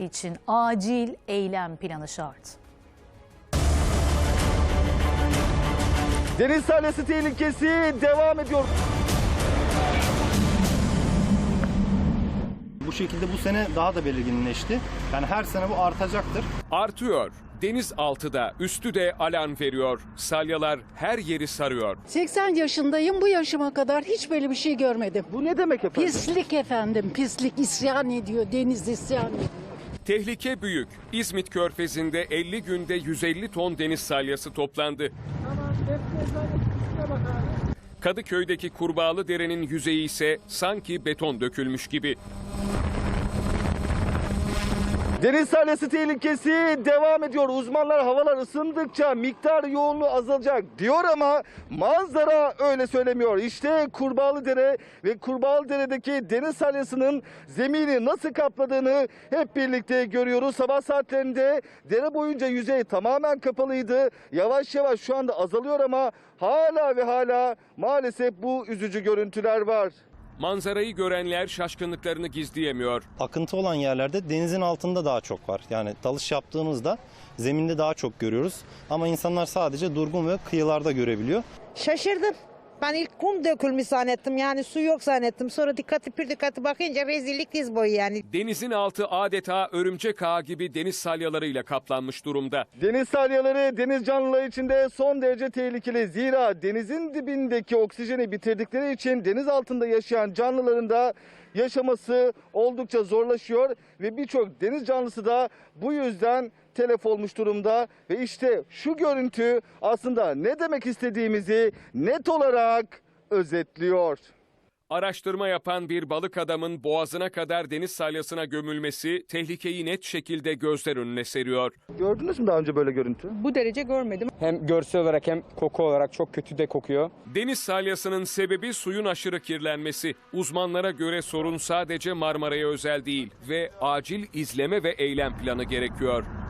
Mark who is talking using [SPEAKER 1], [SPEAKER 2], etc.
[SPEAKER 1] için acil eylem planı şart.
[SPEAKER 2] Deniz salyası tehlikesi devam ediyor.
[SPEAKER 3] Bu şekilde bu sene daha da belirginleşti. Yani her sene bu artacaktır.
[SPEAKER 4] Artıyor. Denizaltıda, üstü de alarm veriyor. Salyalar her yeri sarıyor.
[SPEAKER 5] 80 yaşındayım, bu yaşıma kadar hiç böyle bir şey görmedim.
[SPEAKER 2] Bu ne demek efendim?
[SPEAKER 5] Pislik efendim, pislik isyan ediyor, deniz isyan ediyor.
[SPEAKER 4] Tehlike büyük. İzmit Körfezi'nde 50 günde 150 ton deniz salyası toplandı. Kadıköy'deki Kurbağalıdere'nin yüzeyi ise sanki beton dökülmüş gibi.
[SPEAKER 2] Deniz salyası tehlikesi devam ediyor. Uzmanlar havalar ısındıkça miktar yoğunluğu azalacak diyor ama manzara öyle söylemiyor. İşte Kurbağalıdere ve Kurbağalıdere'deki deniz salyasının zemini nasıl kapladığını hep birlikte görüyoruz. Sabah saatlerinde dere boyunca yüzey tamamen kapalıydı. Yavaş yavaş şu anda azalıyor ama hala ve hala maalesef bu üzücü görüntüler var.
[SPEAKER 4] Manzarayı görenler şaşkınlıklarını gizleyemiyor.
[SPEAKER 3] Akıntı olan yerlerde denizin altında daha çok var. Yani dalış yaptığımızda zeminde daha çok görüyoruz. Ama insanlar sadece durgun ve kıyılarda görebiliyor.
[SPEAKER 6] Şaşırdım. Ben ilk kum dökülmüş zannettim, yani su yok zannettim. Sonra dikkatli bakınca rezillik diz boyu yani.
[SPEAKER 4] Denizin altı adeta örümcek ağı gibi deniz salyalarıyla kaplanmış durumda.
[SPEAKER 2] Deniz salyaları deniz canlıları için de son derece tehlikeli. Zira denizin dibindeki oksijeni bitirdikleri için deniz altında yaşayan canlıların da yaşaması oldukça zorlaşıyor ve birçok deniz canlısı da bu yüzden telef olmuş durumda ve işte şu görüntü aslında ne demek istediğimizi net olarak özetliyor.
[SPEAKER 4] Araştırma yapan bir balık adamın boğazına kadar deniz salyasına gömülmesi tehlikeyi net şekilde gözler önüne seriyor.
[SPEAKER 2] Gördünüz mü daha önce böyle görüntü?
[SPEAKER 7] Bu derece görmedim.
[SPEAKER 8] Hem görsel olarak hem koku olarak çok kötü de kokuyor.
[SPEAKER 4] Deniz salyasının sebebi suyun aşırı kirlenmesi. Uzmanlara göre sorun sadece Marmara'ya özel değil ve acil izleme ve eylem planı gerekiyor.